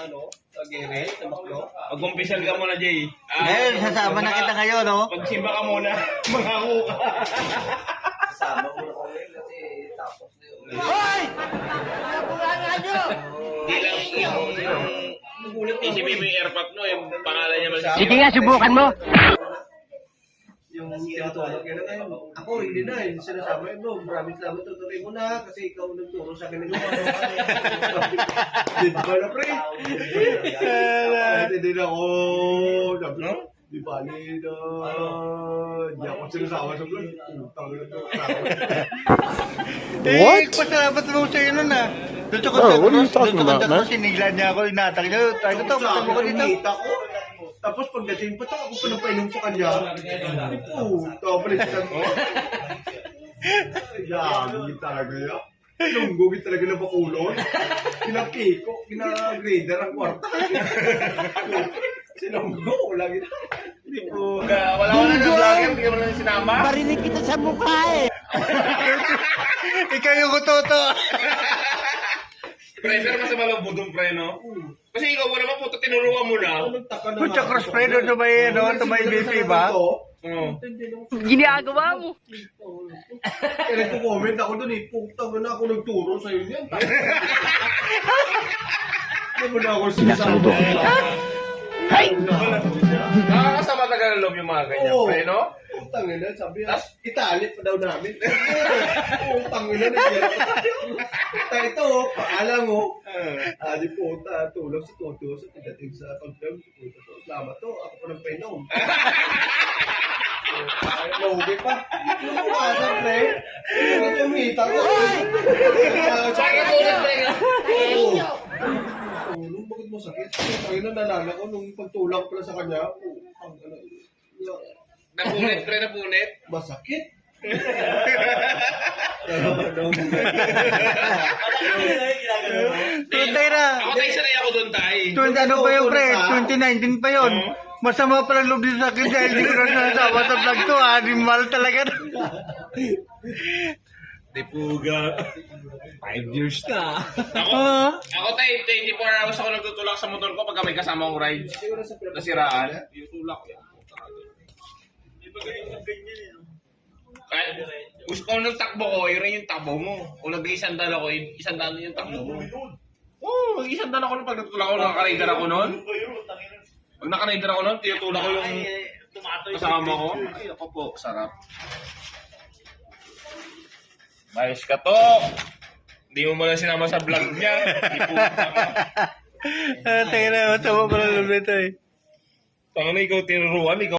sa gere, sa baklo. Mag-umpisal ka muna, Jay. Ngayon, sasama na kita ngayon, no? Pagsimba ka muna, mangako ka. Kasama ko na ko ngayon kasi tapos na yun. Hoy! Nabulangan nyo! Hindi lang yung isipin mo yung airpop, no? Yung pangalan niya malasip. Sige nga, subukan mo. Yung tinutulog yun na ngayon. Ako, hindi na. Hindi sinasama yun, bro. Maraming salamat. Tutuloy mo na kasi ikaw nagturo sa akin. Di ba na, pre? Hindi na ako. Sabi ko, di ba na? Di ako sinasama sa vlog. Tawag na to. What? Pasalamat mo sa'yo nun, ah. Doon sa kontak what are you talking doon sa about, kontak man? ko, siniglan niya ako, inatang niya. Tayo to, patang mo ko dito. Kita ko. Tapos pagdating pa to, ako pa nang painom sa kanya. Hindi po. Palitan mo. Yagi talaga yan. Lunggugit talaga na bakulon. Pinapiko, pinagrader ang kwarta. Sinunggo, lagi na. Hindi po. Wala ko na ng vlogger, hindi mo na sinama. Barinig kita sa mukha, eh. Ikaw yung kutoto. Pre, pero masama lang budong pre, no? Kasi ikaw mo naman puto, tinuruan mo na. Kutsa cross pre doon sa may, ano, sa may BP ba? Oo. Ginagawa mo. Kaya nagko-comment ako doon eh. Putang na ako nagturo sa'yo niyan. Hindi mo na ako sinasama. Hay! Nakakasama talaga ng loob yung mga ganyan, Oo. pre, no? Putang ina, sabi niya, italit pa daw namin. Putang ina, nagyan pa tayo. Puta ito, paalam mo. Di puta, tulog si Toto sa pagdating sa confirm si Toto. Salamat to, ako pa ng painom. Mahubi pa. Yung kumasa, pre. Yung tumita ko. Saka tulad, pre, no? Nung bakit mo sakit? Tayo na nalala ko nung pagtulak pala sa kanya. Napunit, pre, napunit. Masakit. Tuntay na. Ako tayo sanay ako doon, tay. Ano pa yung pre? 2019 pa yun. Masama pa lang loob din sa akin dahil di ko na nasama sa vlog to. Animal talaga. Dipuga. 5 years na. Ako tayo, 24 hours ako nagtutulak sa motor ko pagka may kasama kong rides. Nasiraan. Yung tulak yan. Kahit gusto ko ng takbo ko, yun rin yung takbo mo. Kung nag-iisandal ako, isandal yung takbo mo. Oo, mag-iisandal ako nung pag natutulak ako, nakaka-rider ako noon. Pag naka-rider ako noon, tinutulak ko yung kasama ko. Ay, ako po, sarap. Mayos ka to. Hindi mo muna sinama sa vlog niya. Hindi po. Tayo na, masama pa lang loob nito eh. Tangan na ikaw tinuruan, ikaw